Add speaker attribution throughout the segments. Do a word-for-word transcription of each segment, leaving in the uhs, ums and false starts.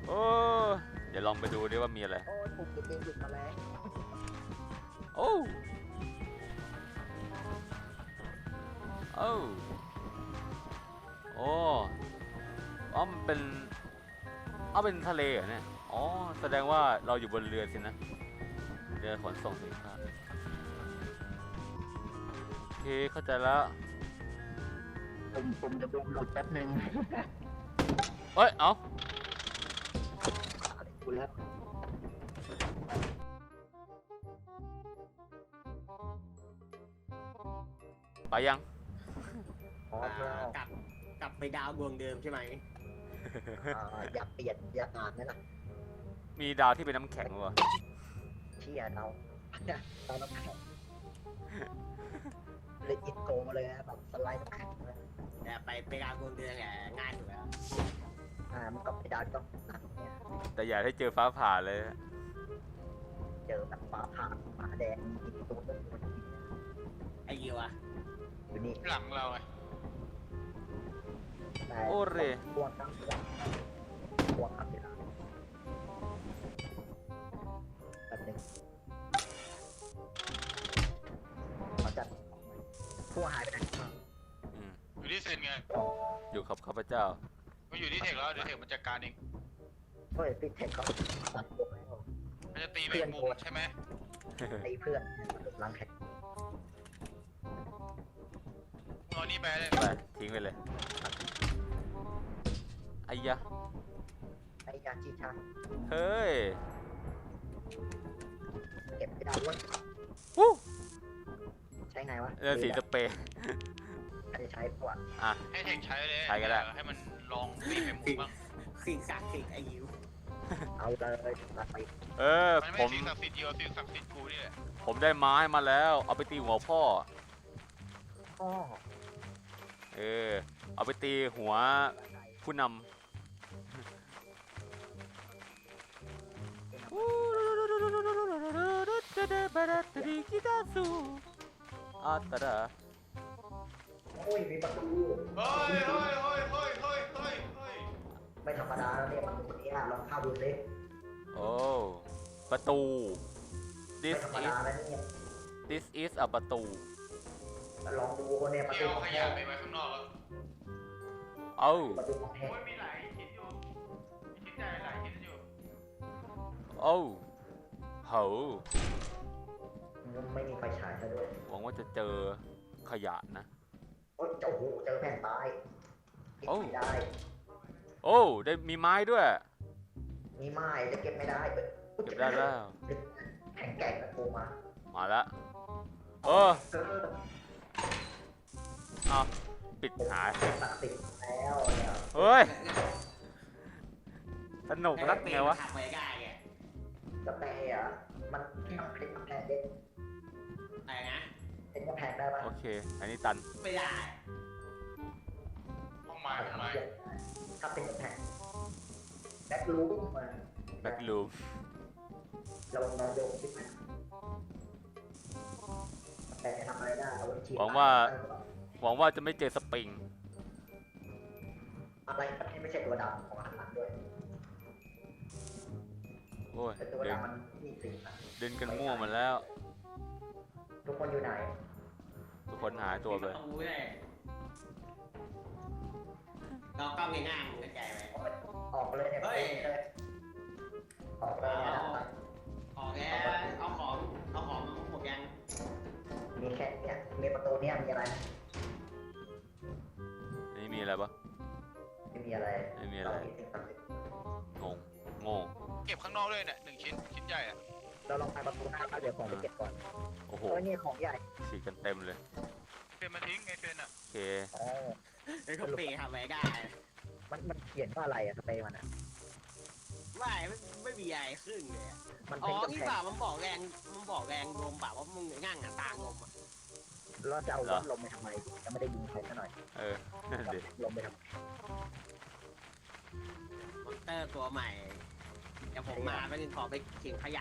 Speaker 1: โอ้เดี๋ยวลองไปดูดิว่ามีอะไร
Speaker 2: โอ้ยผมติดเองหยุดมาแล้ว
Speaker 1: โอ้โอ้โอ้อ๋อมันเป็นเอาเป็นทะเลเหรอเนี่ยอ๋อแสดงว่าเราอยู่บนเรือสินะเรือขนส่งสินค้าโอเคเข้าใจแล้ว
Speaker 2: ผมผมจะดูหลุดแป๊บนึง
Speaker 1: เอ้ย เอา
Speaker 2: อะไรกูแล้ว
Speaker 1: ไปยัง
Speaker 2: อ๋อ
Speaker 3: อ่ากลับกลับไปดาวดวงเดิมใช่ไหม
Speaker 2: อ่าอยากเปลี่ยนอยากอ่านไหมล่ะ
Speaker 1: มีดาวที่เป็นน้ำแข็งวะ
Speaker 2: เชี่ยเราเราน้ำแข็งเลยอินโกมาเลยนะแบบสไลด์น้ำแข็งเลย
Speaker 3: แต่ไปไปดาวดวงเดิมแหละง่ายสุดแล้ว
Speaker 2: อ่ามันก็ไปดาวต้องหนักเนี่ย
Speaker 1: แต่อย่าให้เจอฟ้าผ่าเลย
Speaker 2: เจอแบบฟ้าผ่าหมาแดงมีตัวนึง
Speaker 3: ไอ้ยิวอะ
Speaker 2: อยู่นี่
Speaker 4: หลังเราไง
Speaker 2: แต่
Speaker 1: โอ้เร
Speaker 2: พวกตั้งหลังพวกขับเวลาแบบนึงเขาจัดพวกหายไปไหน
Speaker 1: อืม
Speaker 4: อยู่ที่เซนไง
Speaker 1: อยู่กับข้าพเจ้า
Speaker 4: ก็อยู่ที่เทคแล้วเดี๋ยวเทคมันจัดการเอง
Speaker 2: เฮ้ยปิดเทคเขาตัดพวกแล้ว
Speaker 4: มันจะตีแมงมุมใช่ไหม
Speaker 2: ตีเพื่อนล้างแขก
Speaker 4: เอานี่ไปเลย
Speaker 1: ไป ทิ้งไปเลยไอ้ยะ
Speaker 2: ไอ้ยาจีชา
Speaker 1: เฮ้ย
Speaker 2: เก็บไม่ได้ด้วย
Speaker 1: วู้
Speaker 2: ใช้ไงวะ
Speaker 1: เรือสีสเปรย์
Speaker 2: ใครจะใช้ปวด
Speaker 1: อ่ะ
Speaker 4: ให้เทคใช้เลย
Speaker 1: ใช้ก็ได้
Speaker 4: ให้มันลองตีแมงมุมบ้าง
Speaker 3: สิ่งศักดิ์สิทธิ์ไอ้ยิว
Speaker 2: เอาเลยตัดไป
Speaker 1: เออ
Speaker 4: มัน
Speaker 1: ผ
Speaker 4: ไม่
Speaker 1: ม
Speaker 4: สิ่งศักดิ์สิทธิ์เดียวสิ่งศักดิ์สิทธิ์กูนี่แหละ
Speaker 1: ผมได้ไม้มาแล้ว เอาไปตีหัวพ่อ
Speaker 2: พ่อ
Speaker 1: เออ เอาไปตีหัวผู้นำอาตาดา
Speaker 2: โอ้ยมีประตู
Speaker 4: เฮ้ยเฮ้ยเฮ้ยเฮ้ยเฮ้ยเฮ้ยเฮ้ย
Speaker 2: ไม่ธรรมดาแล้วเนี่ยประตูนี้ลองเข้าดูสิ
Speaker 1: โอ้ ประตู
Speaker 2: ไม่
Speaker 1: this
Speaker 2: ธรรม
Speaker 1: is
Speaker 2: ดาแล้วเนี่ย
Speaker 1: this is a ประตู
Speaker 2: ลองดูเนี่ยประ
Speaker 4: เกี่
Speaker 2: ตู
Speaker 4: ยว
Speaker 2: ของ
Speaker 4: ข
Speaker 2: แท้
Speaker 4: ยะไปไว้ข้างนอกแล้ว
Speaker 1: เอ้า
Speaker 2: ประตูของแท้
Speaker 4: โอ้ยมีหลายชิ้นอยู่มีชิ้นใหญ่หลายชิ้นอยู่
Speaker 1: เอ้าโห
Speaker 2: ไม่มีไฟฉายซะด้วย
Speaker 1: หวังว่าจะเจอขยะนะ
Speaker 2: โอ้ยโอ้โหเจอแผ่นตายเก็บไม่ได้
Speaker 1: โอ้ ได้มีไม้ด้วย
Speaker 2: มีไม้จะเก็บไม่ได้
Speaker 1: เก็บได้แล้ว
Speaker 2: แข็งแกร่งนะกูมา
Speaker 1: มาแล้วเออ
Speaker 2: เออ
Speaker 1: เอาปิดหาย
Speaker 2: ตัดติดแล้วเนี่ย
Speaker 1: เฮ้ย สนุกนักไงวะ
Speaker 3: ขับไปได้ไง
Speaker 2: กาแฟอ่ะมันมันเป็นกาแฟเด็ด
Speaker 3: อะไรนะ
Speaker 2: เป็นกาแฟได้ปะ
Speaker 1: โอเค อันนี้ตัน
Speaker 3: ไม่ได้
Speaker 4: ห้องไม้ห้องไม้
Speaker 2: ถ้าเป็นกาแฟแบ็คลูมมา
Speaker 1: แบ็กลูม
Speaker 2: เราลองโยกขึ้นมาแต่ทำอะไรได้เอาไว้ฉีด
Speaker 1: หวังว่า หวังว่าจะไม่เจอสปริง
Speaker 2: อะไรที่ไม่ใช่ตัวดำของอาหารด้วย
Speaker 1: โอ้ย
Speaker 2: แต่ตัว
Speaker 1: เดิน
Speaker 2: ดำมันมีสีนะ
Speaker 1: เดินกันมั่วหมดแล้ว
Speaker 2: ทุกคนอยู่ไหน
Speaker 1: ทุกคนหายตัวไป
Speaker 3: ม่ต้องรู้เลยเรากล้องง่ายๆมึงเข้าใจไหม
Speaker 2: ออกเลยเนี่ย
Speaker 3: เฮ้ย
Speaker 2: ออกเลยเนี่ย
Speaker 3: ออกแล้วเอาของเอาของมาหมดยัง
Speaker 2: มีแค่เนี่ยมีประตูเนี่ยมีอะไร
Speaker 1: อันนี้มีอะไรปะ
Speaker 2: ไม่มีอะไร
Speaker 1: ไม่มีอะไร
Speaker 2: สิ่งศักดิ์สิทธิ์
Speaker 1: งงโง่
Speaker 4: เก็บข้างนอกด้วยเนี่ยหนึ่งชิ้นชิ้นใหญ่อะ
Speaker 2: เราลองไปประตูหน้าเดี๋ยวของไปเก็บก่อน
Speaker 1: โอ้โห
Speaker 2: โอ้ยนี่ของใหญ่
Speaker 1: ฉีกกันเต็มเลย
Speaker 4: เฟรนมาทิ้งไงเฟรนอะ
Speaker 1: โอเค
Speaker 2: อ๋อ
Speaker 3: ไอ้เขาเปย์ทำไว้ได้
Speaker 2: มันมันเขียนว่าอะไรอะสเปรย์มันอะ
Speaker 3: ไม่ไม่ไม่มีอะไรขึ้นเลยอะ
Speaker 2: มัน
Speaker 3: อ๋อ
Speaker 2: เป็นกำ
Speaker 3: นี่
Speaker 2: แพ
Speaker 3: เปล่าง มันบอกแรงมันบอกแรงลมเปล่าว่ามึงง่างอ่ะตางลมอ่ะ
Speaker 2: เราจะเอา
Speaker 1: เหรอ
Speaker 2: ลมไปทำไมจะไม่ได้ยิงใครซะหน่อย
Speaker 1: เออ นั่นดิ
Speaker 2: ลมไปทำไม
Speaker 3: มอนเตอร์ตัวใหม่เดี๋ยวผมมาไม่ถึงขอไปเขียนขยะ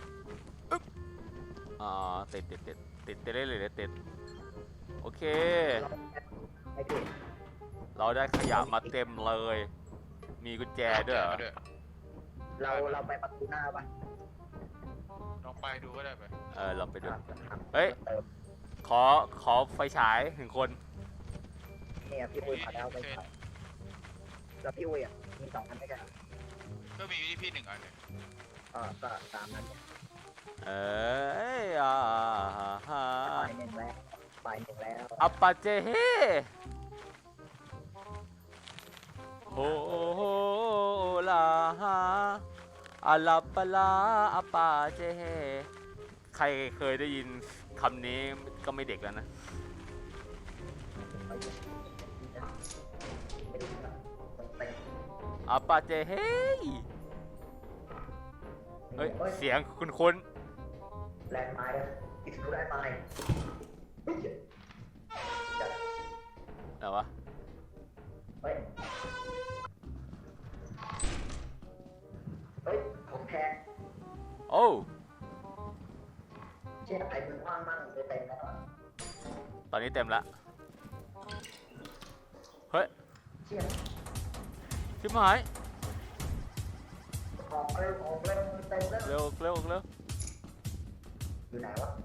Speaker 1: อ๋อติดติดติดติดติดได้เลยติดโอเค
Speaker 2: ไอ้พี่
Speaker 1: เราได้ขยะมาเต็มเลย มีกุญแจด้วยเหรอ
Speaker 2: มเราเราไปประตูหน้าปะ
Speaker 4: ลองไปดูก็ได้ไป
Speaker 1: เออเราไปดู
Speaker 2: อ่ะครับ
Speaker 1: เฮ้ย
Speaker 2: เติม
Speaker 1: ขอขอไฟฉายหนึ่งคน
Speaker 2: เนี่ยพี่อุ้ยเขาได้เอาไปใส่แล้วพี่อุ้ยอ่ะมีสองอันด้วยกัน
Speaker 4: ก็มีที่พี่หนึ่งอันเนี่ย
Speaker 2: เออก็สามอันเนี่ย
Speaker 1: เอ้ยอ่าฮะ
Speaker 2: ไปหนึ่งแล้วไปหนึ่งแล้ว
Speaker 1: อัปปาเจเฮโฮโฮลาฮาอาลาปะลาอัปปาเจเฮใครเคยได้ยินคำนี้ก็ไม่เด็กแล้วนะ
Speaker 2: ไม่รู้นะมันเป็น
Speaker 1: อัปปาเจเฮเฮ้ย เสียงคุณคุณ
Speaker 2: แลนด์ไม้แล้วอิสรูแลนด์ไม้เฮ้ยจัด
Speaker 1: อะไรวะ
Speaker 2: เฮ้ยเฮ้ยของแพง
Speaker 1: โอ้
Speaker 2: เชี่ยไอ้มึงว่างมั่งจะเต็มแล้ว
Speaker 1: ตอนนี้เต็มละเฮ้ย
Speaker 2: เชี่ย
Speaker 1: ชิบหาย
Speaker 2: ออกเร็วออกเร็วเต็มแล้ว
Speaker 1: เร็วเร็วเร็ว
Speaker 2: อยู่ไหนวะ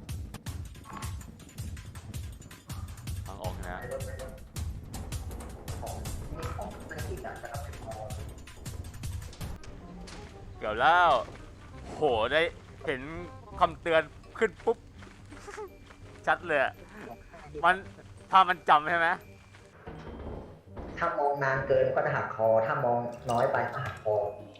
Speaker 1: ทางออกนะ
Speaker 2: ไปรถไปรถของมีของในที่การจะรับผิดชอบ
Speaker 1: เกี่ยวแล้วโหได้เห็นคำเตือนขึ้นปุ๊บ ชัดเลยอะมันถ้ามันจำใช่ไหม
Speaker 2: ถ้ามองนานเกินก็จะหักคอ ถ้ามองน้อยไปก็หักคอ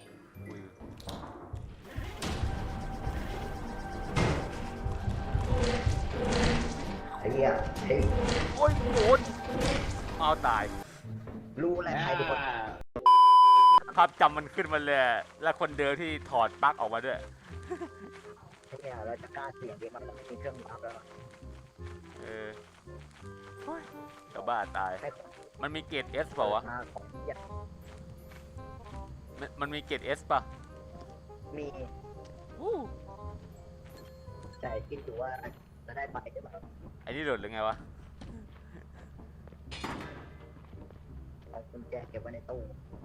Speaker 2: ไอ้เหี้ยเฮ้ย
Speaker 1: โอ้ยโหดเอาตาย
Speaker 2: รู้แหละใครเป็นคน
Speaker 1: ภาพจำมันขึ้นมาเลยอะและคนเดิมที่ถอดปลั๊กออกมาด้วย
Speaker 2: ไอ้เนี่ยเราจะกล้าเสี่ยงดีมันต้องไม่มีเครื่องบัฟแล้ว
Speaker 1: เออโอ้ยเดี๋ยวบ้าตาย
Speaker 2: ให้ของ
Speaker 1: มันมีเกรด S เปล่าวะ
Speaker 2: มาของเหี้ย
Speaker 1: มันมันมีเกรด S ป่ะ
Speaker 2: มี
Speaker 1: อู้
Speaker 2: ใจคิดอยู่ว่าจะได้ไปหรือเปล่า
Speaker 1: ไอ้นี่หลุดหรือไงวะ
Speaker 2: เอากุญแจเก็บไว้ในตู้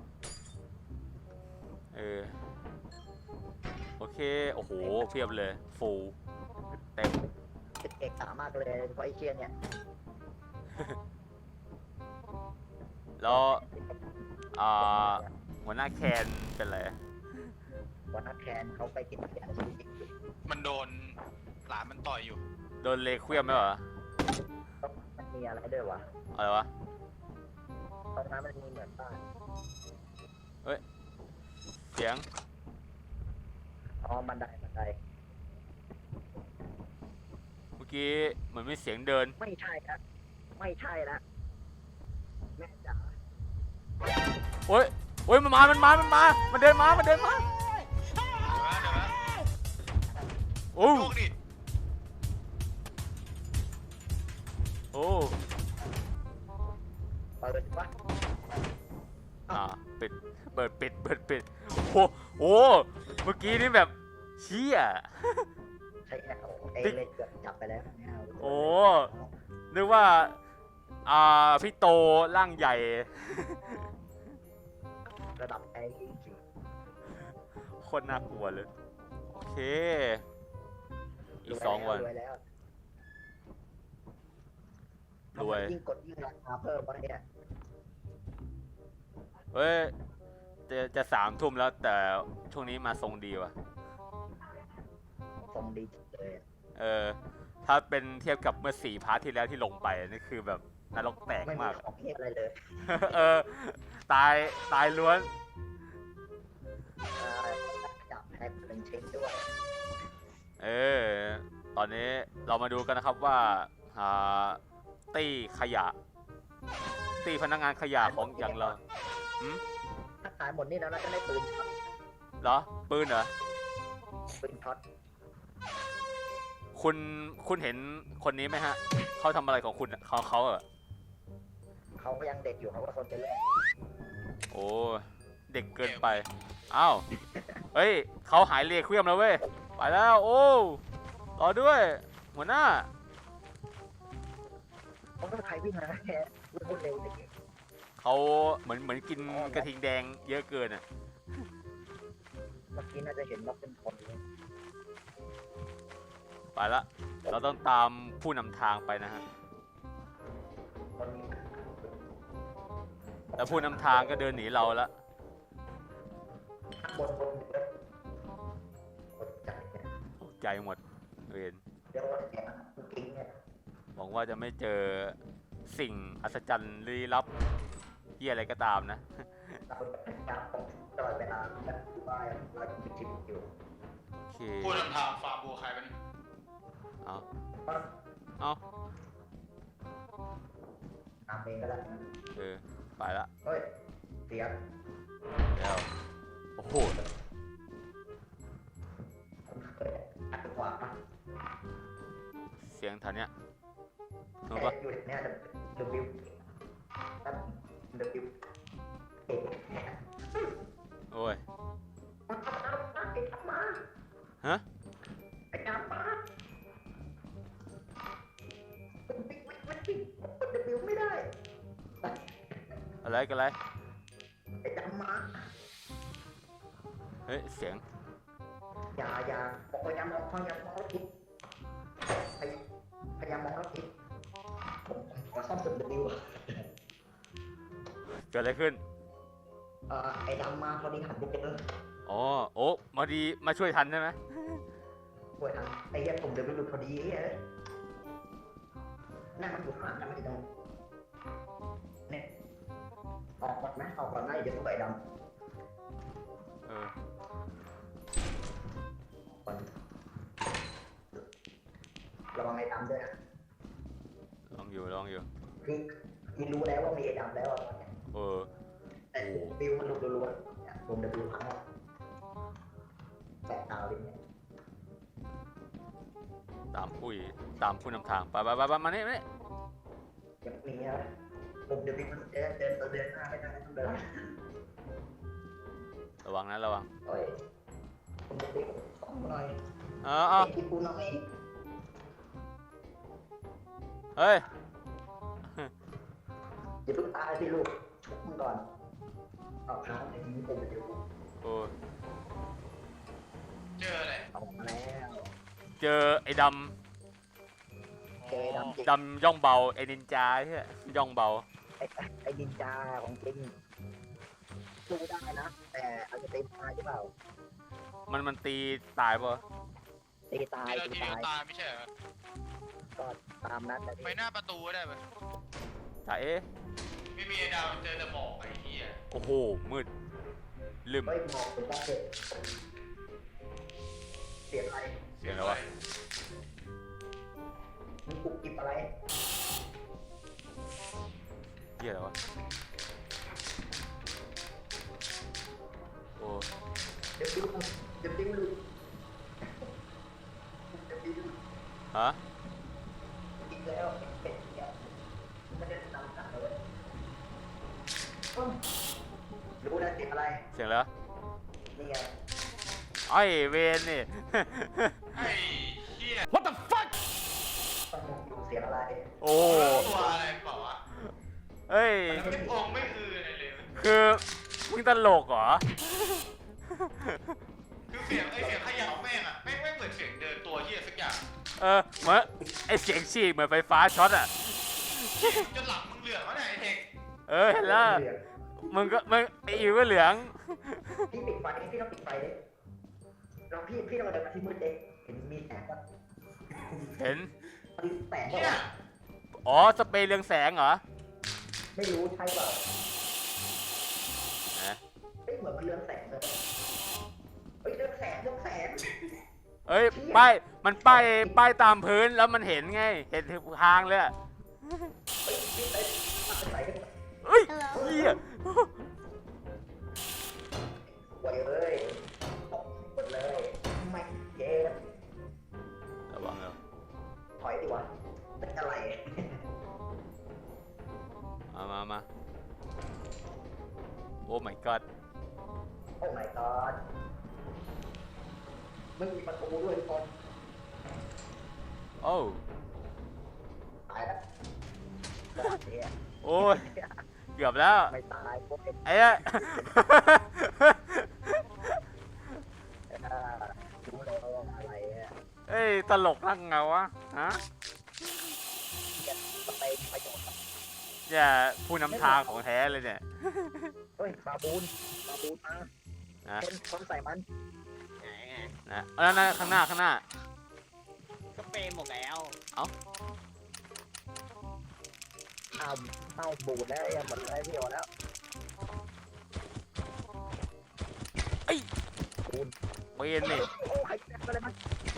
Speaker 1: เออ โอเค โอ้โห เพียบเลย ฟูลเต็ม
Speaker 2: เป็นเอกสามากเลยเพราะไอ้เชียเนี่ย
Speaker 1: แล้ว อ่า หัวหน้าแคนเป็นไร
Speaker 2: วันนักแคนเขาไปกินเบียร์ชีวิตอยู่
Speaker 4: มันโดนหลานมันต่อยอยู่
Speaker 1: โดนเลเควียมไหมวะ
Speaker 2: ต้องมันมีอะไรด้วยวะ
Speaker 1: อะไรวะ
Speaker 2: ตรงนั้นมันมีเหมือนบ้าน
Speaker 1: เสียง
Speaker 2: อ๋อบันไดบันได
Speaker 1: เมื่อกี้เหมือนมีเสียงเดิน
Speaker 2: ไม่ใช่ละไม่ใช่ละแม่จ๋า
Speaker 1: โอ้ยโอ้ยมันมา มันมา มันมา มันเดินมา มันเดินมา
Speaker 4: เดี๋ยวนะเดี๋ยวนะ
Speaker 1: โอ้
Speaker 4: โชคดิ
Speaker 1: โอ้
Speaker 2: เปิดวะ
Speaker 1: อ่าปิด เปิดปิด เปิดปิด โอ้โหโอ้เมื่อกี้นี่แบบเชี่ย
Speaker 2: ใช่แล้วเอเลยเกือบจับไปแล้วเนี่ย
Speaker 1: โอ้ นึกว่า อ่า พี่โตร่างใหญ่
Speaker 2: ระดับไอ้จริง
Speaker 1: โคตรน่ากลัวเลย โอเค
Speaker 2: ๆ
Speaker 1: อีกสองวัน
Speaker 2: รวยแล้ว
Speaker 1: รวย
Speaker 2: ยิ่งกดยิ่งราคาเพิ่มวะเนี่ย
Speaker 1: เฮ้ย จะจะสามทุ่มแล้วแต่ช่วงนี้มาทรงดีว่ะ
Speaker 2: ทรงดีจังเลยอะ
Speaker 1: เออ ถ้าเป็นเทียบกับเมื่อสี่พาร์ทที่แล้วที่ลงไปนี่คือแบบนรกแตก
Speaker 2: ไม่มี
Speaker 1: มาก
Speaker 2: ของเทพอะไรเลย
Speaker 1: เออ ตาย ตายล้วน
Speaker 2: เอ่อจับแพ็คเป็นชิ้นด้วย
Speaker 1: เออ ตอนนี้เรามาดูกันนะครับว่าอ่าตี้ขยะ ตี้พนักงานขยะของอย่างเราหืม
Speaker 2: ถ้าขายหมดนี่แล้วน่าจะได้ปืนช็อต
Speaker 1: เหรอ ปืนเหรอ
Speaker 2: ปืนช็อต
Speaker 1: คุณ คุณเห็นคนนี้ไหมฮะ เขาทำอะไรของคุณอะเขาเขาเหรอ
Speaker 2: เขาก็ยังเด็กอยู่เขาก็คนไปเล่น
Speaker 1: โอ้ เด็กเกินไป อ้าว เฮ้ย เขาหายเลเควียมแล้วเว้ย ไปแล้ว โอ้ รอด้วย หัวหน้า
Speaker 2: เขาก็ใครวิ่งมาแค่วิ่งพูดเร็วแต่เก่ง
Speaker 1: เขาเหมือนเหมือนกินกระทิงแดงเยอะเกินอ่ะ
Speaker 2: มมื่อกี้น่าจะเห็นว่าเป็นคนเลย
Speaker 1: ไปละเราต้องตามผู้นำทางไปนะฮะ
Speaker 2: คน
Speaker 1: แต่ผู้นำทางก็เดินหนีเราละ
Speaker 2: ข้างบนบนเยอะคนจัดเนี่ย
Speaker 1: ตกใจหมดเวน
Speaker 2: เรียกว่าแกมันกิ้งเนี่ย
Speaker 1: หวังว่าจะไม่เจอสิ่งอัศจรรย์ลี้ลับเหี้ยอะไรก็ตามนะ
Speaker 2: เราจะพยายามตลอดเวลาแบบว่าเราจะจิบอยู่
Speaker 1: โอเค
Speaker 4: พูดนำทางฟาร์มบัวใครเป็น
Speaker 1: เอา
Speaker 2: เพราะ
Speaker 1: เอา
Speaker 2: ตามเองก็ได้
Speaker 1: เออไปละ
Speaker 2: เฮ้ยเสียง
Speaker 1: แล้วโอ้โห
Speaker 2: ผมเคยอัดขวาปะ
Speaker 1: เสียงแถวเนี้ย
Speaker 2: แต่
Speaker 1: รู้ปะ
Speaker 2: อยู่เนี่ยเดบิวตั้งเดบิวเอก
Speaker 1: โอ้ย
Speaker 2: มันทำมาไอ้ทำมา
Speaker 1: ฮะ
Speaker 2: ไอ้ดำมาวิ่งวิ่งวิ่งวิ่งเดบิวไม่ได้
Speaker 1: อะไรกันอะไร
Speaker 2: ไอ้ดำมา
Speaker 1: เฮ้ยเสียง
Speaker 2: อย่าอย่าบอกพยายามมองพยายามมองแล้วคิดพยายามพยายามมองแล้วคิดผมผมขอซ่อมสุดเดบิว
Speaker 1: เกิดอะไรขึ้น
Speaker 2: เอ่อไอ้ดำมาพอดีหันไปเจอ
Speaker 1: อ๋อโอ้มาดีมาช่วยทันใช่ไหม
Speaker 2: ป่วยทันไอ้เหี้ยผมเดบิวหลุดพอดีเฮ้ยนั่นมันอยู่ข้างหลังนั่นมันอยู่ตรงเนี่ยออกก่อนไหมออกก่อนไหมเดี๋ยวต้องไปดำ
Speaker 1: เออ
Speaker 2: ก่อนระวังไอ้ดำด้วยนะ
Speaker 1: ลองอยู่ลองอยู่
Speaker 2: คือคือรู้แล้วว่ามีไอ้ดำแล้วอะตอนเนี้ย
Speaker 1: เออ
Speaker 2: แต่บิวมันหลุดรัวๆเนี่ยผมเดบิวครั้งแรกแปะดาวเลยเนี่ย
Speaker 1: ตามผู้ตามผู้นำทางไปไปไปไปมานี่มานี่
Speaker 2: ยังมีนะผมเดบิวมันเดินเดินเดินหน้าไม่ได้ต้องเดิน
Speaker 1: ระวังนะระวัง
Speaker 2: โอ้ยผมเดบิวต้องหน่อย
Speaker 1: เออเอา
Speaker 2: ไอ้ที่กูน้อย
Speaker 1: เฮ้ย
Speaker 2: อย่าเพิ่งตายสิลูกชุบมึงก่อนเอาน้องไอ้นี้ผมเดบิว
Speaker 1: โอ้
Speaker 4: เจออะไร
Speaker 2: ออกมาแล้ว
Speaker 1: เจอไอ้ด
Speaker 2: เจอไอ้ดำจริง
Speaker 1: ำดำย่องเบาไอ้นินจาใช่ไหมย่องเบา
Speaker 2: ไอ้ไอ้ดินจาของจริงสู้ได้นะ แต่อาจจะตีตายหรือเปล่า
Speaker 1: มันมันตีตายปะ
Speaker 2: ตีตาย
Speaker 4: ทีละ
Speaker 2: ตี
Speaker 4: ทีเดียว
Speaker 2: ตาย
Speaker 4: ตายไม่ใช่เหรอ
Speaker 2: ก็ตามนั้นแต่
Speaker 4: ไปหน้าประตูก็ได้ไหม
Speaker 1: จ่าเอ๊ะ
Speaker 4: ไม่มีไอ้ดาวเจอแต่หมอกไอ้เหี้ย
Speaker 1: โอ้โหมืดลืม
Speaker 2: เฮ้ยมองเป็นว่าเกิดเสียงอะไร
Speaker 1: เสียงอะไรวะ
Speaker 2: มึงกุกกิบอะไร
Speaker 1: เหี้ยอะไรวะโอ้
Speaker 2: เดี๋ยวดิ้วเดี๋ยวดิ้วลุกเดี๋ยวดิ้ว
Speaker 1: ฮะ
Speaker 2: อีกแล้วเป็ดเนี่ยไม่ได้ตามกันเลยรู้นะเสียงอะไร
Speaker 1: เสียงอะไรวะ
Speaker 2: นี่ไง
Speaker 1: ไอ้เวนนี่
Speaker 4: ไอ้เหี้ย
Speaker 1: What the fuck
Speaker 2: ต้องมองดูเสียงอะไร
Speaker 1: โอ้
Speaker 4: ตัวอะไรเปล่าวะ
Speaker 1: เฮ้ย
Speaker 4: มันไม่องไม่อืออะไรเลย
Speaker 1: คือมึงตลกเหรอ
Speaker 4: คือเสียงไอ้เสียงเขย่าแม่งอะแม่งไม่เหมือนเสียงเดินตัวเหี้ยสักอย่าง
Speaker 1: เออเหมือนไอเสียงฉีกเหมือนไฟฟ้าช็อตอ่ะ
Speaker 4: จนหลังมึงเหลืองแล้วเนี่ยไอ้เทค
Speaker 1: เออเห็นแล้วมึงก็มึงไออิวก็เหลือง
Speaker 2: พี่ปิดไฟพี่ต้องปิดไฟเลยเราพี่พี่ต้องมาเดินมาที่มืดเด็กเห็นมีแสงป่ะ
Speaker 1: เห็น
Speaker 2: มีแสง
Speaker 4: เหี้ย
Speaker 2: ป่ะ
Speaker 1: อ๋อสเปรย์เรืองแสงเหรอ
Speaker 2: ไม่รู้ใช่เปล่า
Speaker 1: นะ
Speaker 2: เฮ้ยเหมือนมันเรืองแสงเลยเฮ้ยเรืองแสงเรืองแสง
Speaker 1: เอ้ยป้ายมันป้ายป้ายตามพื้นแล้วมันเห็นไง เห็นทางเลยอะ
Speaker 2: เฮ้ยพี่เอ้ยมาเป็นไหนกัน
Speaker 1: เอ้ยเหี้ย
Speaker 2: ไหวเลยตกหมดเลยไม่เจ็บ
Speaker 1: ระวังเร็ว
Speaker 2: ถอยดีวะเป็นอะไร
Speaker 1: มามามาโอ้ my god
Speaker 2: โอ้ my god ไม่มีประตูด้วยทุกคน
Speaker 1: โอ้
Speaker 2: ตายแล้วเนี่ย
Speaker 1: โอ้ยเกือบแล้ว
Speaker 2: ไม่ตายพวกเด็ก
Speaker 1: ไอ้ อะตลกนั่งเงาวะฮะ
Speaker 2: สเปนประโยชน์
Speaker 1: เนี่ยผู้นำทางของแท้เลยเนี่ย
Speaker 2: เฮ้ยบาบูนบาบูนมา
Speaker 1: นะ
Speaker 2: เป็นคนใส่มัน
Speaker 3: ไหนไง
Speaker 1: นะเอาแล้วนะข้างหน้าข้างหน้า
Speaker 3: ก็เปย์หมดแล้ว
Speaker 2: อ้าวอ้าวบูดแล้วไอ้หมดแล้วพี่โอแล้ว
Speaker 1: เอ้ย
Speaker 2: บูน
Speaker 1: เปนนี่
Speaker 2: โอ้ยอะไรมัน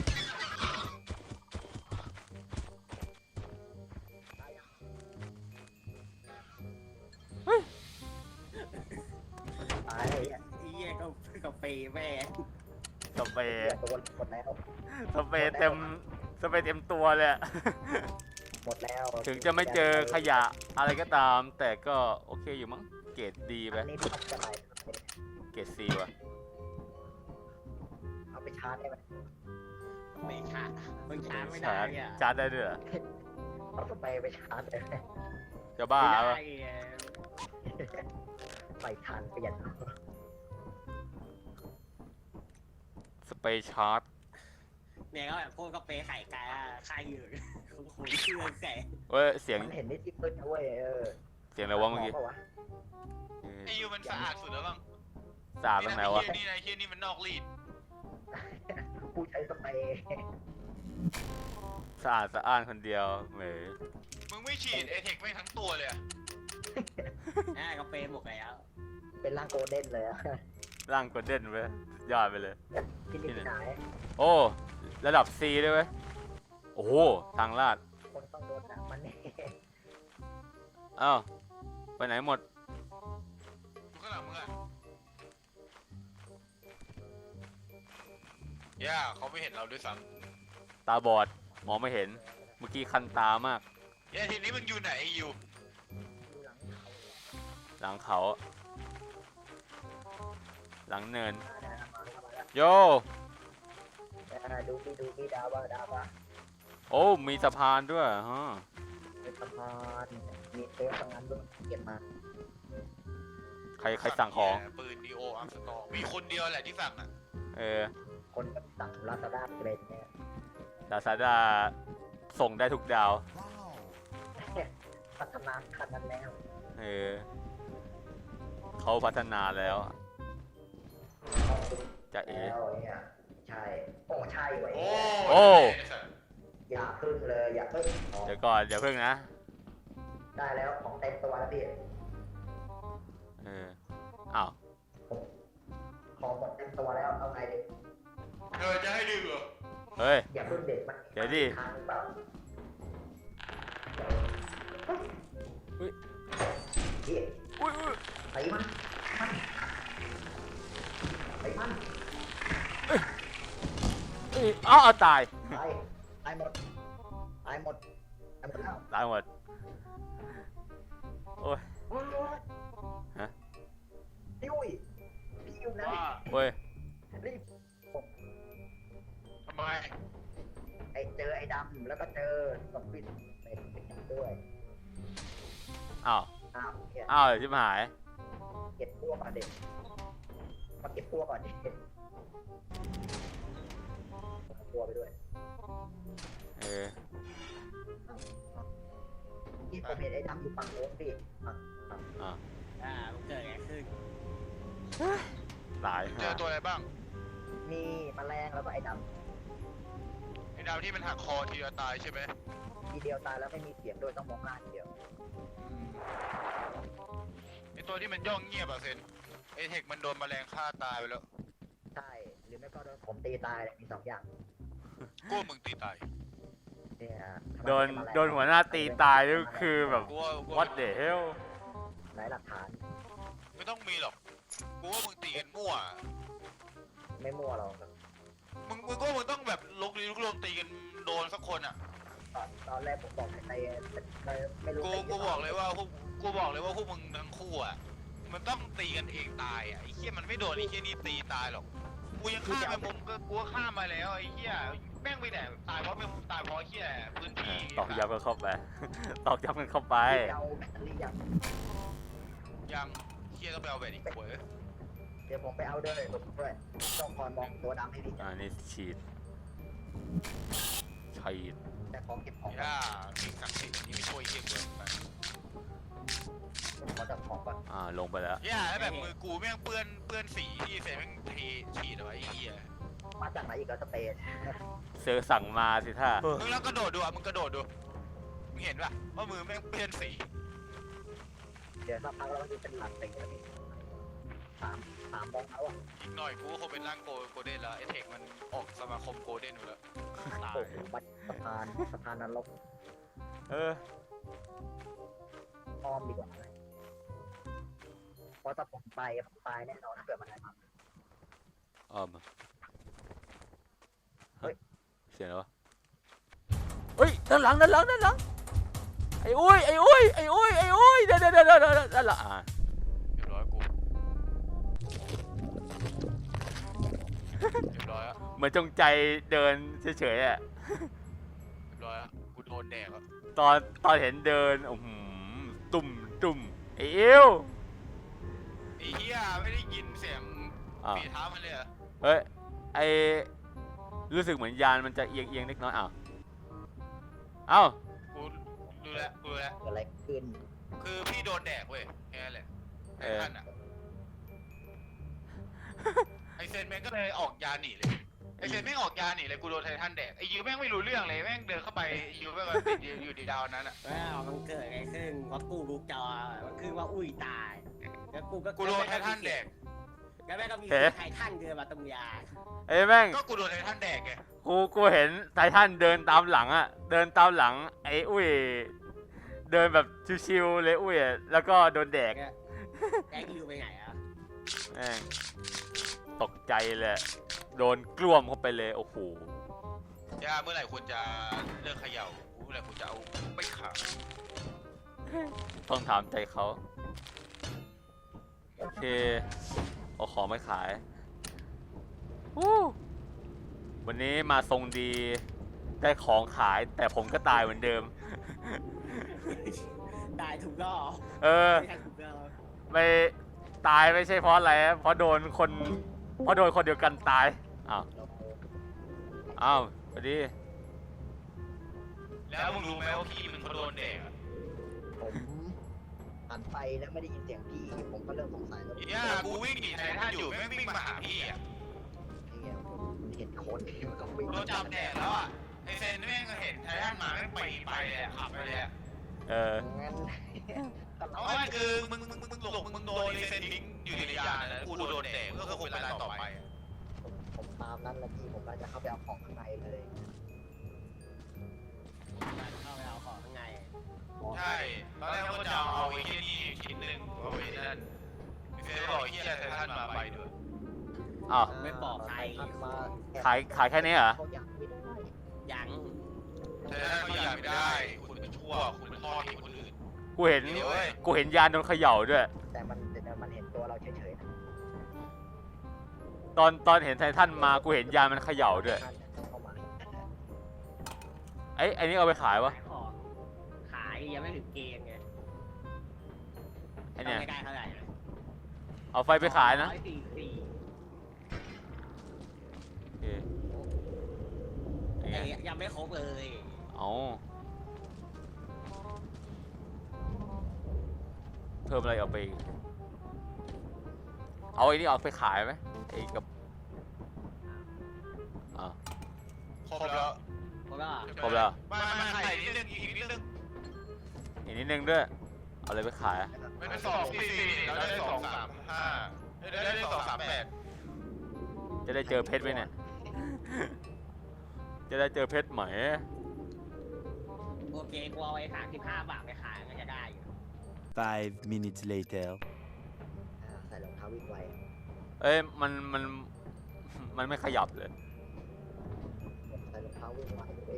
Speaker 2: ตายไอ้เนี่ย
Speaker 3: ไอ้เหี้ยก็ก็เปย์แม่ง
Speaker 1: สเปร
Speaker 2: เหี้ย
Speaker 1: ย์
Speaker 2: โดนหมดแล้ว
Speaker 1: สเปรย์เต็มสเปรย์เต็มตัวเลยอะ
Speaker 2: หมดแล้ว
Speaker 1: ถึงจะไม่เจอขยะอะไรก็ตาม แต่ก็โอเคอยู่มั้งเกรดดีไป
Speaker 2: อันนี้ทำจะไร
Speaker 1: เกรดซีว่ะ
Speaker 2: เอาไปชาร์จได้ไหม
Speaker 3: ไม่ชามึงชาไม่
Speaker 1: ชา
Speaker 3: ได้
Speaker 1: ร์จ
Speaker 3: อ่ะ
Speaker 1: ชาร์จได้ด้วยเหรอ
Speaker 2: เอาสเปรย์ไปชาร์จได้ไหม
Speaker 1: จะบ้า
Speaker 3: ไม่
Speaker 1: ปะ
Speaker 3: ได้ไง
Speaker 2: ใส่ทานเปลี่ยน
Speaker 1: สเปรย์ชาร์จ
Speaker 3: เนี่ยก็แบบพวกก็เปย์ไข่ไก่อะไข่อยู่คุณคุณเชื่อแสง
Speaker 1: เว้ยเสียง
Speaker 2: มันเห็นนิดที่มืดนะเว้ยเออ
Speaker 1: เสียงอะไรวะเมื่อกี้
Speaker 2: ปะวะ
Speaker 1: เออ
Speaker 4: ไอ้ยูมันสะอาดสุดแล้วบ้าง
Speaker 1: สาดตรงไหนวะ
Speaker 4: นี่นะไอ้เฮียนี่มันนอกรีด
Speaker 2: ผู้ใช้สเปรย์
Speaker 1: สะอาดสะอ้านคนเดียวเหมย
Speaker 4: มึงไม่ฉีดเอเทคไม่งทั้งตัวเลยอะ
Speaker 3: อ่าก็เปย์หมดแล้ว
Speaker 2: เป็นร่างโกลเด้นเลยอะ
Speaker 1: ร่างกดเด่นไปยอดไปเลย
Speaker 2: ที่นี่ที่ไหน
Speaker 1: โอ้ ระดับ C ด้วยเว้ย โอ้โห ทางลาด
Speaker 2: คนต้องโดนหนักมันนี่
Speaker 1: อ้าว ไปไหนหมด
Speaker 4: ดูข้างหลังมึงอะย่าเขาไม่เห็นเราด้วยซ้
Speaker 1: ตาบอด มองไม่เห็น เมื่อกี้คันตามาก
Speaker 4: ำย่าทีนี้มึงอยู่ไหนไอ้ยู
Speaker 2: ดูหลังเขา
Speaker 1: หลังเขา หลังเนิน
Speaker 2: มาแล้วมาแล้วมาแล้ว
Speaker 1: โย
Speaker 2: อ่าดูพี่ดูพี่ดาวว่าดาวว่า
Speaker 1: โอ้ มีสะพานด้วยฮะ
Speaker 2: เป็นสะพานมีเซฟทำงานด้วยเก็บมา
Speaker 1: ใครใครสั่งของ
Speaker 4: ปืนดีโออัมสตองมีคนเดียวแหละที่สั่งอะ
Speaker 1: เออ
Speaker 2: คนก็สั่งลาซาด้าเกรดเนี่ย
Speaker 1: ลาซาด้าส่งได้ทุกดาว
Speaker 2: พัฒนาคันนั้นแล้ว
Speaker 1: เออ เขาพัฒนาแล้วจะเอ๋
Speaker 2: แล้วเนี่ยใช่โอ้ใช่เว้ย
Speaker 4: โอ้
Speaker 1: โอ้
Speaker 4: ไสัตว์
Speaker 2: อย่าพึ่งเลยอย่าพึ่งของ
Speaker 1: เดี๋ยวก่อนเดี๋ยวเพิ่งนะ
Speaker 2: ได้แล้วของเต็มตัวแล้วพี่
Speaker 1: เออ อ้าว
Speaker 2: ของหมดเต็มตัวแล้วเอาไงดิ
Speaker 4: เธอจะให้ดึงเหรอ
Speaker 1: เฮ้ย
Speaker 2: อย่าพึ่งเด็ดมัน
Speaker 1: เดี๋ยวดิ
Speaker 2: ทางหรือเปล่า
Speaker 1: อุ๊ย
Speaker 2: พี่
Speaker 1: อุ้ยอุ้ย
Speaker 2: ไอ้มันมันไอ้มัน
Speaker 1: เอ้ยอ้าวเอาตาย
Speaker 2: ตายตายหมดตายหมดตายหมดแล้ว
Speaker 1: ตายหมด โอ้ย
Speaker 2: โอ้ย
Speaker 1: ฮะ
Speaker 2: พี่อุ้ยพี่อยู่ไหน
Speaker 4: ว่า
Speaker 1: เว้ย
Speaker 2: รีบ
Speaker 4: ทำไม
Speaker 2: ไอ้เจอไอ้ดำแล้วก็เจอสปินเป็นด้วย
Speaker 1: อ้าว
Speaker 2: อ้าวเนี่ย
Speaker 1: อ้าวชิบหาย
Speaker 2: เก็บพวกก่อนเด็กมาเก็บพวกก่อนดิเอาตัวไปด้วย
Speaker 1: เออ
Speaker 2: พี่ผมเห็นไอ้ดำอยู่ฝั่งโน้นพี่ฝั่งฝั่ง
Speaker 1: อ่ะ
Speaker 3: อ่ามันเกิดอะไรขึ้น
Speaker 1: ตาย
Speaker 4: เจอตัวอะไรบ้าง
Speaker 2: มีแมลงแล้วก็ไอ้ด
Speaker 4: ไอ้ดาวที่มันหักคอทีละตายใช่ไหม
Speaker 2: ำทีเดียวตายแล้วไม่มีเสียงด้วยต้องมองหน้าทีเดียว
Speaker 4: ไอ้ตัวที่มันย่องเงียบอะเซนเอเทคมันโดนแมลงฆ่าตายไปแล้ว
Speaker 2: ใช่หรือไม่ก็โดนผมตีตายเลยมีสองอย่าง
Speaker 4: กูว่ามึงตีตาย
Speaker 2: เนี่ยทำไม
Speaker 1: โดน
Speaker 2: ไม่แมลง
Speaker 1: โดนหัวหน้าตีตายนี่คือแบบ
Speaker 4: กูว่ากูว่า
Speaker 1: what the hell
Speaker 2: ไหนหลักฐาน
Speaker 4: ไม่ต้องมีหรอกกูว่ามึงตีกันมั่ว
Speaker 2: ไม่มั่วเรา
Speaker 4: มึงมึงก็มึงต้องแบบลุกลี้ลุกลนตีกันโดนสักคนอ่ะ
Speaker 2: ตอนตอนแรกผมบอกให้ตีแต่ไม่รู้
Speaker 4: กู
Speaker 2: ตี
Speaker 4: กูบอกเลยว่าพวกกูบอกเลยว่าพวกมึงทั้งคู่อ่ะ มันต้องตีกันเองตายอ่ะไอ้เหี้ยมันไม่โดนไอ้เหี้ยนี่ตีตายหรอก กูยังฆ่าไปมุมก็กูก็ฆ่ามาแล้วไอ้เหี้ยแม่งไปไหนตายเพราะไม่ตายเพราะไอ้เหี้ยพื้นที่
Speaker 1: ตอกย้ำกันเข้าไป ตอกย้ำกันเข้าไป
Speaker 2: พี่เอาแบตเตอรี่ยัง
Speaker 4: ยังเหี้ยต้องไปเอาแบตอีกเว้ย
Speaker 2: เดี๋ยวผมไปเอาด้วยผมด้วยต้องคอยมองตัวดำให้ดี
Speaker 1: อ่านี่ฉีดชัย
Speaker 2: แต่ของเก็บของ
Speaker 4: ย่าสิ่งศักดิ์สิทธิ์ที่ไม่ช่วยเฮียกูไป
Speaker 2: ขอจับของก่อน
Speaker 1: อ่าลงไปแล้ว
Speaker 4: ย่าแล้วแบบมือกูแม่งเปื้อนเปื้อนสีที่เซนแม่งเทฉีดเอาไว้ไอ้เฮีย
Speaker 2: มาจากไหนอีกแล้วสเปน
Speaker 1: เซอร์สั่งมาสิท่า
Speaker 4: มึงแล้วกระโดดดูอ่ะมึงกระโดดดูมึงเห็นป่ะว่ามือแม่งเปื้อนสี
Speaker 2: เดี๋ยวสักพักเราจะเป็นหลักเต็งแล้วพี่สามสามโมงแล้วอ่ะ
Speaker 4: อีกหน่อยกูก็คงเป็นร่างโกโกลเด้นแล้วไอเทคมันออกสมาคมโกลเด้นอยู่แล้วตาย
Speaker 2: โอ้โหบัดสะพานสะพานนรก
Speaker 1: เออ
Speaker 2: อ้อมดีกว่าไหมเพราะถ้าผมไปผมตายแน่นอนถ้าเกิดมันอะไรมา
Speaker 1: อ้อมมาเฮ้ยเสียงอะไรวะเฮ้ยด้านหลังด้านหลังด้านหลังไอ้อุ้ยไอ้อุ้ยไอ้อุ้ยไอ้อุ้ยเดี๋ยวเดี๋ยวเดี๋ยวเดี๋ยวเดี๋ยวด้านหลังอ่า
Speaker 4: เรียบร้อยกูเรียบร้อยอ่ะ
Speaker 1: เหมือนจงใจเดินเฉยๆอ่ะ
Speaker 4: เรียบร้อยอ่ะกูโดนแดกอ่ะ
Speaker 1: ตอนตอนเห็นเดินโอ้โหตุ่มตุ่มไอ้เอว
Speaker 4: ไอ้เหี้ยไม่ได้ยินเสียง
Speaker 1: อ้าว
Speaker 4: ฝีเท้ามันเลยเหรอ
Speaker 1: เฮ้ยไอรู้สึกเหมือนยานมันจะเอียงเอียงเล็กน้อยอ้าวเอ้า
Speaker 4: กูดูแลวกูดูแลว
Speaker 2: เกิดอะไรขึ้น
Speaker 4: คือพี่โดนแดกเว้ยแค่นั้นแหละไอ้ท่านอ่ะไอเซนแม่งก็เลยออกยาหนีเลยไอเซนแม่งออกยาหนีเลยกูโดนไททันแดกไอยูแม่งไม่รู้เรื่องเลยแม่งเดินเข้าไปไอ้ยูแม่งก็ติดอยู่อยู่ดีดาวนั้นอ่ะ
Speaker 3: ว้าวมันเกิดอะไรขึ้นว่ากูรู้จอมันคือว่าอุ้ยตายแล้วกูก็
Speaker 4: กูโดนไททันแดก
Speaker 3: แล้วแม่ก็มีไททันเดินมาตรงยา
Speaker 1: ไอ้แม่ง
Speaker 4: ก็กูโดนไททันแดกไง
Speaker 1: กูกูเห็นไททันเดินตามหลังอะเดินตามหลังไอ้อุ้ยเดินแบบชิวๆเลยอุ้ยอะแล้วก็โดนแดก
Speaker 3: แกอยู่ไปไหนอ่ะ
Speaker 1: แม่งตกใจเลยโดนกล้วมเข้าไปเลยโอ้โห
Speaker 4: ย่าเมื่อไหร่คุณจะเลิกเขย่าเมื่อไหร่คุณจะเอาไปขัง
Speaker 1: ต้องถามใจเขาโอเคเอาของไปขายวู้วันนี้มาทรงดีได้ของขายแต่ผมก็ตายเหมือนเดิม
Speaker 3: ตายถูกรอบ
Speaker 1: เออ
Speaker 3: ไม่ใช่ถูกรอบ
Speaker 1: ไม่ตายไม่ใช่เพราะอะไรนะเพราะโดนคนเพราะโดนคนเดียวกันตายอ้าว
Speaker 2: เรา
Speaker 1: อ้าวสวัสดี
Speaker 4: แล้วมึงรู้ไหมว่าพี่มึงเขาโดนแดกอะ
Speaker 2: ผมหันไปแล้วไม่ได้ยินเสียงพี่ผมก็เริ่มสงสัยแล้ว
Speaker 4: ย่ากูวิ่งหนีไททันอยู่แม่งวิ่งมาหาพี่อ่ะ
Speaker 2: เนี่ยผมเห็นคนที่มันก็วิ่ง
Speaker 4: โดนจับแดดแล้วอ่ะไอเซนแม่งก็เห็นไททันมาแม่งไปไปเลยอะขับไปเลยอะ
Speaker 1: เออ
Speaker 2: งั้น
Speaker 4: เอาไว้คือมึงมึงมึงมึงหลงมึงโดนไอเซนทิ้งอยู่ในยานนะกูโดนแดกก็คือคงเป็นรายต่อไปอะ
Speaker 2: ผมผมตามนั้นแหละพี่ผมก็จะเข้าไปเอาของข้างในเลย
Speaker 3: เข้าไปเอาของข้างใน
Speaker 4: ใช่ตอนแรกก็จะเอาไอ้เหี้ยนี่ชิ้นหนึ่งเอาไว้นั่นไอเซนบอกไอ้เหี้ยไททันมาไปด้วย
Speaker 1: อ้าว
Speaker 3: ไม่ปลอดภัย
Speaker 2: ทันมา
Speaker 1: ขายขายแค่นี้เหรอ
Speaker 2: เขาอยากไม่ได้
Speaker 3: ยัง
Speaker 4: ไททันก็อยากไม่ได้ คุณเป็นชั่วคุณเป็นทอดทิ้งคนอื่น
Speaker 1: กูเห็น
Speaker 4: เดี๋ยวเว้ย
Speaker 1: กูเห็นยานโดนเขย่าด้วย
Speaker 2: แต่มันแต่มันเห็นตัวเราเฉยๆนะ
Speaker 1: ตอนตอนเห็นไททันมากูเห็นยานมันเขย่าด้วย
Speaker 2: เข้ามา
Speaker 1: ไอ้ไอ้นี่เอาไปขายวะ
Speaker 3: ขายของขายยังไม่ถึงเกณฑ์ไง
Speaker 1: ไอ้เนี่ย
Speaker 3: ไม่ได้เท่าไหร่นะ
Speaker 1: เอาไฟไปขายนะ
Speaker 3: ร้อสี่สี่
Speaker 1: โอเคยังไง
Speaker 3: ไอ้ยังไม่ครบเลย
Speaker 1: เอาเพิ่มอะไรเอาไปอีกเอาไอ้นี่เอาไปขายไหมไอ้กับอ่า
Speaker 4: ครบแล้ว
Speaker 3: เพราะว่า
Speaker 1: ครบแล้ว
Speaker 4: มามาใส่นิดนึงอีกนิดนึง
Speaker 1: อีกนิดนึงด้วยเอาอะไรไปขายอะ
Speaker 4: ไม่ได้สองสี่สี่เราได้สองสามห้าได้ได้สองสามแปด
Speaker 1: จะได้เจอเพชรไหมเนี่ย จะได้เจอเพชรไหม
Speaker 3: โอเคกูเอาไอ้สามสิบห้าบาทไปขายมันจะได้อยู่
Speaker 5: Five minutes later.
Speaker 2: อ่าใส่รองเท้าวิ่งไว
Speaker 1: เอ้ยมันมันมันไม่ขยับเลย
Speaker 2: ใส่รองเท้าวิ่งไวเลย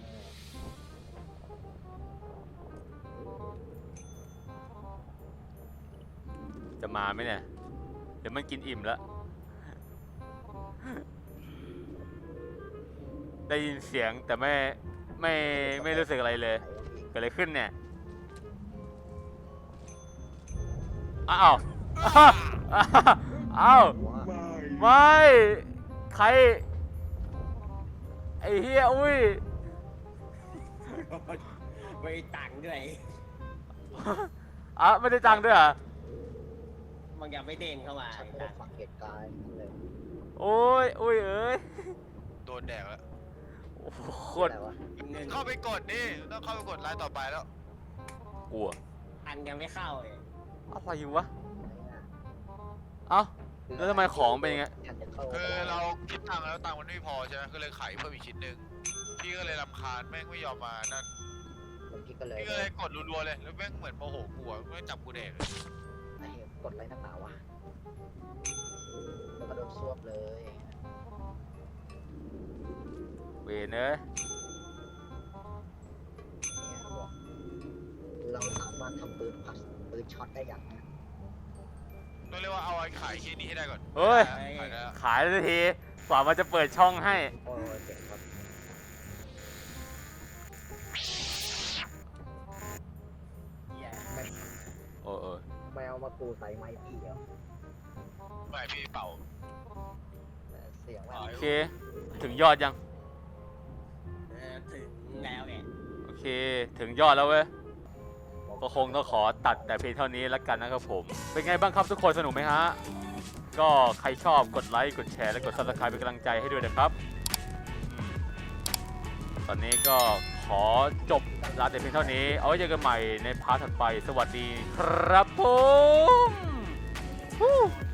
Speaker 1: จะมาไหมเนี่ย เดี๋ยวมันกินอิ่มแล้ว ได้ยินเสียงแต่ไม่ไม่ไม่รู้สึกอะไรเลย เกิดอะไรขึ้นเนี่ย อ้าว อ้าว ไม่ ใคร ไอ้เฮียอุ้ย
Speaker 3: ไม่ตังค์ด้วย
Speaker 1: อ่ะไม่ได้จังด้วยเหรอ่ะ
Speaker 3: มันยังไม่เด้งเข้ามา
Speaker 2: ฉันไม่ได้ฟังเหตุการณ์เลย
Speaker 1: โอ้ยโอ้ยเอ้ย
Speaker 4: โดนแดกแล้ว
Speaker 1: โอ้โหโคตร
Speaker 2: อะไรวะ
Speaker 3: เงิน
Speaker 4: เข้าไปกดดิต้องเข้าไปกดไลน์ต่อไปแล้ว
Speaker 1: กลัว
Speaker 3: ตังค์ยังไม่เข้าเลย
Speaker 1: อะไรอยู่วะเอ้าแล้วทำไมของเป็นอย่างเงี้ย
Speaker 2: ฉันจะเข้า
Speaker 4: คือเราคิดตังค์แล้วตังค์มันไม่พอใช่ไหมก็เลยไขเพิ่มอีกชิ้นหนึ่งพี่ก็เลยรำคาญแม่งไม่ยอมมานั่น
Speaker 2: พี่ก็เลย
Speaker 4: พี่ก็เลยกดรัวๆเลยแล้วแม่งเหมือนโมโหกูอะไม่จับกูแดกเลย
Speaker 2: ไอ้กดอะไรนักหนาวะแล้วก็โดนซวบเลย
Speaker 1: เวนเอ้ย
Speaker 2: เนี่ยบอกเราสามารถทำปืนพัสปืนช็อตได้อย่างนะ
Speaker 4: ต้องเรียกว่าเอาไอ้ขายชิ้นนี้ให้ได้ก่อน
Speaker 1: เฮ้ย
Speaker 4: ขายได้แล้ว
Speaker 1: ขายเลยทีกว่ามันจะเปิดช่องให้
Speaker 2: โอ้ยเจ๋งครับ
Speaker 3: เหี้ย
Speaker 1: โอ้เออ
Speaker 2: แมวมากูใส่ไม้พี่เหรอ
Speaker 4: ไม่พี่เป่า
Speaker 2: แต่เสียงแบ
Speaker 4: อ๋
Speaker 2: บ
Speaker 4: อ
Speaker 1: โอเค ถึงยอดยัง
Speaker 3: เออถึงแล้วเนี่ย
Speaker 1: โอเค ถึงยอดแล้วเว้ย ก็คงต้องขอตัดแต่เพียงเท่านี้แล้วกันนะครับผม เป็นไงบ้างครับทุกคนสนุกไหมฮะ ก็ใครชอบกดไลค์ กดแชร์ และกด ซับสไครบ์ เป็นกำลังใจให้ด้วยนะครับอืมตอนนี้ก็ขอจบลาแต่เพียงเท่านี้ เอาไว้เจอกันใหม่ในพาร์ทถัดไป สวัสดีครับผม